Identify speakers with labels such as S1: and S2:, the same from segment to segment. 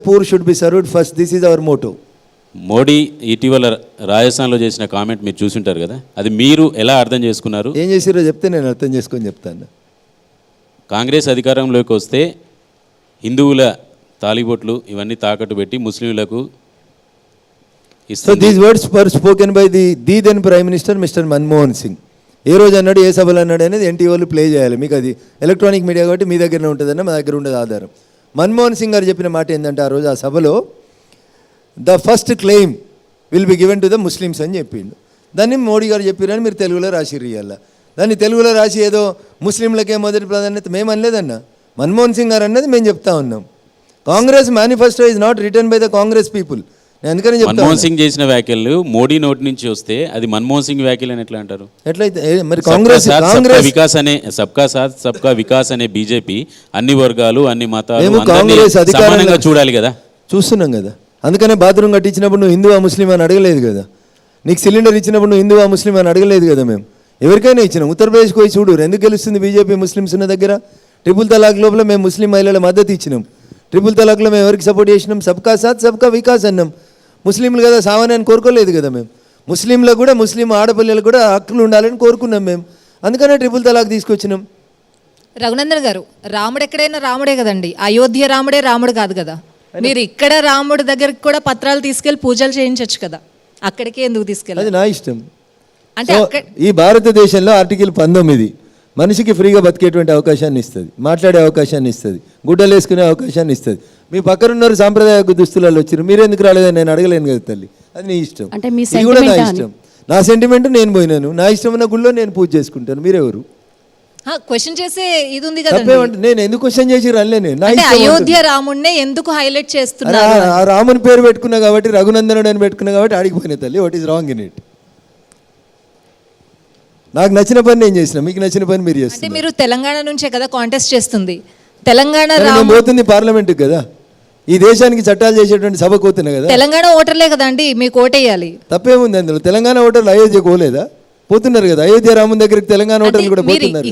S1: Poor should be served first. This is our motto.
S2: Modi ఇటీవల రాజస్థాన్లో చేసిన కామెంట్ మీరు చూసుంటారు కదా, అది మీరు ఎలా అర్థం చేసుకున్నారు?
S1: ఏం చేసిరో చెప్తే నేను అర్థం చేసుకొని చెప్తాను.
S2: కాంగ్రెస్ అధికారంలోకి వస్తే హిందువుల తాలిబొట్లు ఇవన్నీ తాకట్టు పెట్టి ముస్లింలకు
S1: So these words were spoken by the then Prime Minister Mr. Manmohan Singh. ఏ రోజు అన్నాడు, ఏ సభలు అన్నాడు అనేది ఎన్టీ వాళ్ళు ప్లే చేయాలి. మీకు అది ఎలక్ట్రానిక్ మీడియా కాబట్టి మీ దగ్గరనే ఉంటుందన్న, మా దగ్గర ఉండదు ఆధారం. మన్మోహన్ సింగ్ గారు చెప్పిన మాట ఏంటంటే, ఆ రోజు ఆ సభలో the first claim will be given to the Muslims అని చెప్పిండు. దాన్ని మోడీ గారు చెప్పారని మీరు తెలుగులో రాసిర్రు. ఇయ్యాల దాన్ని తెలుగులో రాసి ఏదో ముస్లింలకే మొదటి ప్రాధాన్యత మేము అనలేదన్న, మన్మోహన్ సింగ్ గారు అన్నది మేము చెప్తా ఉన్నాం. Congress manifesto is not return by the Congress people. అందుకని
S2: మన్మోహన్ సింగ్ చేసిన వ్యాఖ్యలు మోడీ నోటి నుంచి వస్తే అది మన్మోహన్ సింగ్ వ్యాఖ్యలు అని ఎట్లా అంటారు?
S1: ఎట్లయితే మరి కాంగ్రెస్
S2: వికాస్ అనే సబ్కా సాత్ సబ్కా వికాస్ అనే బీజేపీ అన్ని వర్గాలు అన్ని మతాలు సమానంగా చూడాలి కదా.
S1: చూస్తున్నాం కదా, అందుకనే బాత్రూమ్ కట్టించినప్పుడు నువ్వు హిందువా ముస్లిం అని అడగలేదు కదా, నీకు సిలిండర్ ఇచ్చినప్పుడు నువ్వు హిందువా ముస్లిం అని అడగలేదు కదా. మేము ఎవరికైనా ఇచ్చినాం. ఉత్తరప్రదేశ్కి పోయి చూడు, ఎందుకు గెలుస్తుంది బీజేపీ ముస్లిమ్స్ ఉన్న దగ్గర? ట్రిపుల్ తలాక్ లోపల మేము ముస్లిం మహిళల మద్దతు ఇచ్చినాం. ట్రిపుల్ తలాక్లో మేము ఎవరికి సపోర్ట్ చేసినాం? సబ్కా సాత్ సబ్కా వికాస్ అన్నాం. ముస్లింలు కదా సామాన్యాన్ని కోరుకోలేదు కదా మేము. ముస్లింలకు కూడా, ముస్లిం ఆడపిల్లలకు కూడా హక్కులు ఉండాలని కోరుకున్నాం మేము. అందుకనే ట్రిపుల్ తలాక్ తీసుకొచ్చినాం.
S3: రఘునందన్ గారు, రాముడు ఎక్కడైనా రాముడే కదండి, అయోధ్య రాముడే రాముడు కాదు కదా. మీరు ఇక్కడ రాముడి దగ్గరికి కూడా పత్రాలు తీసుకెళ్లి పూజలు చేయించవచ్చు కదా, అక్కడికే ఎందుకు తీసుకెళ్ళాలి?
S1: అది నా ఇష్టం.
S3: అంటే
S1: ఈ భారతదేశంలో ఆర్టికల్ 19 మనిషికి ఫ్రీగా బతికేటువంటి అవకాశాన్ని ఇస్తుంది, మాట్లాడే అవకాశాన్ని ఇస్తుంది, గుడ్డలు వేసుకునే అవకాశాన్ని ఇస్తుంది. మీ పక్కనున్నారు సాంప్రదాయ దుస్తులలో వచ్చారు, మీరెందుకు రాలేదని నేను అడగలేను కదా తల్లి. అది నీ ఇష్టం, ఇది కూడా నా ఇష్టం. నా సెంటిమెంట్ నేను పోయినాను, నా ఇష్టం ఉన్న గుళ్ళో నేను పూజ చేసుకుంటాను. మీరెవరు
S3: క్వశ్చన్ చేసే ఇది ఉంది కదా?
S1: నేను ఎందుకు క్వశ్చన్ చేసి రాలేను?
S3: అయోధ్య రాముడినే ఎందుకు హైలైట్ చేస్తున్నారు?
S1: ఆ రాముని పేరు పెట్టుకున్నా కాబట్టి, రఘునందనుడు అని పెట్టుకున్నా కాబట్టి ఆడిపోయినా తల్లి. What is wrong in it? నాకు నచ్చిన పని నేను చేసిన, మీకు నచ్చిన పని మీరు చేస్తారు.
S3: మీరు తెలంగాణ నుంచే కదా కాంటెస్ట్ చేస్తుంది, తెలంగాణ
S1: పోతుంది పార్లమెంట్ కదా, ఈ దేశానికి చట్టాలు చేసేటువంటి సభ పోతున్నా కదా.
S3: తెలంగాణ ఓటర్లే కదా అండి మీకు ఓటేయాలి.
S1: తప్పేముంది అందులో? తెలంగాణ ఓటర్లు అయోధ్య పోలేదా? పోతున్నారు కదా. అయోధ్య రాముని దగ్గరికి తెలంగాణ ఓటర్లు కూడా పోతున్నారు.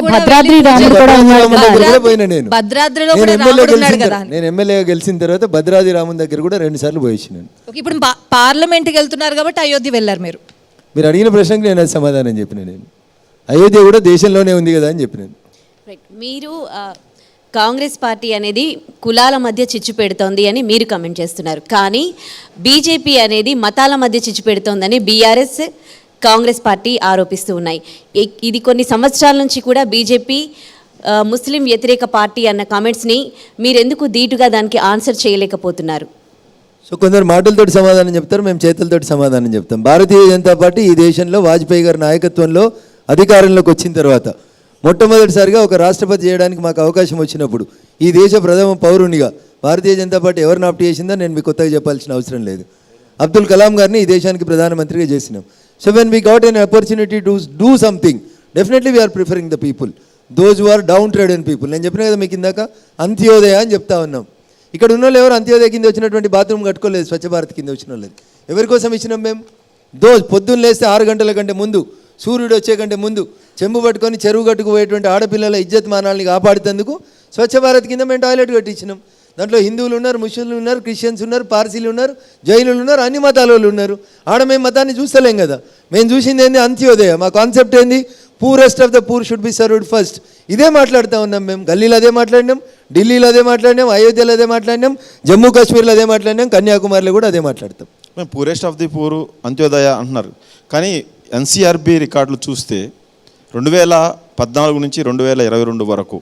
S1: నేను ఎమ్మెల్యేగా గెలిచిన తర్వాత భద్రాద్రి రాముని దగ్గర కూడా 2 సార్లు పోయించినాను.
S3: ఇప్పుడు పార్లమెంట్కి వెళ్తున్నారు కాబట్టి అయోధ్య వెళ్ళారు.
S1: మీరు అడిగిన ప్రశ్నకు నేను అది సమాధానం చెప్పిన. నేను అయోధ్య కూడా దేశంలోనే ఉంది కదా అని చెప్పినాను.
S4: మీరు కాంగ్రెస్ పార్టీ అనేది కులాల మధ్య చిచ్చు పెడుతోంది అని మీరు కమెంట్ చేస్తున్నారు, కానీ బీజేపీ అనేది మతాల మధ్య చిచ్చు పెడుతోందని బీఆర్ఎస్, కాంగ్రెస్ పార్టీ ఆరోపిస్తూ ఉన్నాయి. ఇది కొన్ని సంవత్సరాల నుంచి కూడా బీజేపీ ముస్లిం వ్యతిరేక పార్టీ అన్న కామెంట్స్ని మీరెందుకు ధీటుగా దానికి ఆన్సర్ చేయలేకపోతున్నారు?
S1: సో కొందరు మాటలతోటి సమాధానం చెప్తారు, మేము చేతులతోటి సమాధానం చెప్తాం. భారతీయ జనతా పార్టీ ఈ దేశంలో వాజ్పేయి గారి నాయకత్వంలో అధికారంలోకి వచ్చిన తర్వాత మొట్టమొదటిసారిగా ఒక రాష్ట్రపతి చేయడానికి మాకు అవకాశం వచ్చినప్పుడు ఈ దేశ ప్రథమ పౌరునిగా భారతీయ జనతా పార్టీ ఎవరిని ఆప్ట్ చేసిందో నేను మీకు కొత్తగా చెప్పాల్సిన అవసరం లేదు. అబ్దుల్ కలాం గారిని ఈ దేశానికి ప్రధానమంత్రిగా చేసినాం. So when we got an opportunity to do something, definitely we are preferring the people, those who are down traded people. నేను చెప్పిన కదా మీకు ఇందాక, అంత్యోదయ అని చెప్తా ఉన్నాం. ఇక్కడ ఉన్న వాళ్ళు ఎవరు అంత్యోదయ కింద వచ్చినటువంటి బాత్రూమ్ కట్టుకోలేదు, స్వచ్ఛ భారత్ కింద వచ్చిన వాళ్ళది. ఎవరి కోసం ఇచ్చినాం మేము? పొద్దున్న లేస్తే 6 గంటల కంటే ముందు, సూర్యుడు వచ్చే కంటే ముందు చెంబు పట్టుకొని చెరువు కట్టుకు పోయేటువంటి ఆడపిల్లల ఇజ్జత్ మానాల్ని కాపాడుతందుకు స్వచ్ఛ భారత్ కింద మేము టాయిలెట్ కట్టించినాం. దాంట్లో హిందువులు ఉన్నారు, ముస్లింలు ఉన్నారు, క్రిస్టియన్స్ ఉన్నారు, పార్సీలు ఉన్నారు, జైనులు ఉన్నారు, అన్ని మతాల వాళ్ళు ఉన్నారు. ఆడ మేము మతాన్ని చూస్తలేం కదా. మేము చూసింది ఏంది? అంత్యోదయ. మా కాన్సెప్ట్ ఏంది? Poorest of the poor should be served first. ఇదే మాట్లాడుతూ ఉన్నాం మేము. గల్లీలో అదే మాట్లాడినాం, ఢిల్లీలో అదే మాట్లాడినాం, అయోధ్యలో అదే మాట్లాడినాం, జమ్మూ కాశ్మీర్లో అదే మాట్లాడినాం, కన్యాకుమారిలో కూడా అదే మాట్లాడతాం.
S5: మేము poorest of the poor Antyodaya అంటున్నారు, కానీ ఎన్సీఆర్బీ రికార్డులు చూస్తే 2014 నుంచి 2022 వరకు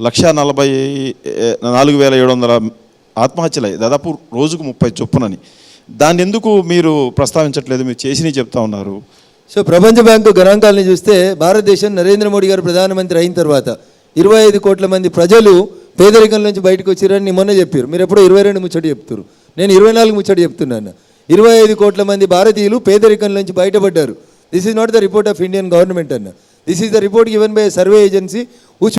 S5: 1,44,700 ఆత్మహత్యలయ్యాయి, దాదాపు రోజుకు 30 చొప్పునని. దాన్ని ఎందుకు మీరు ప్రస్తావించట్లేదు? మీరు చేసినవి చెప్తా ఉన్నారు.
S1: సో ప్రపంచ బ్యాంకు గణాంకాలని చూస్తే భారతదేశం నరేంద్ర మోడీ గారు ప్రధానమంత్రి అయిన తర్వాత 25 కోట్ల మంది ప్రజలు పేదరికం నుంచి బయటకు వచ్చారని మొన్న చెప్పారు. మీరు ఎప్పుడో 22 ముచ్చట చెప్తారు, నేను 24 ముచ్చట చెప్తున్నాను. 25 కోట్ల మంది భారతీయులు పేదరికం నుంచి బయటపడ్డారు. This is not the report of Indian government అన్న, this is the report given by survey agency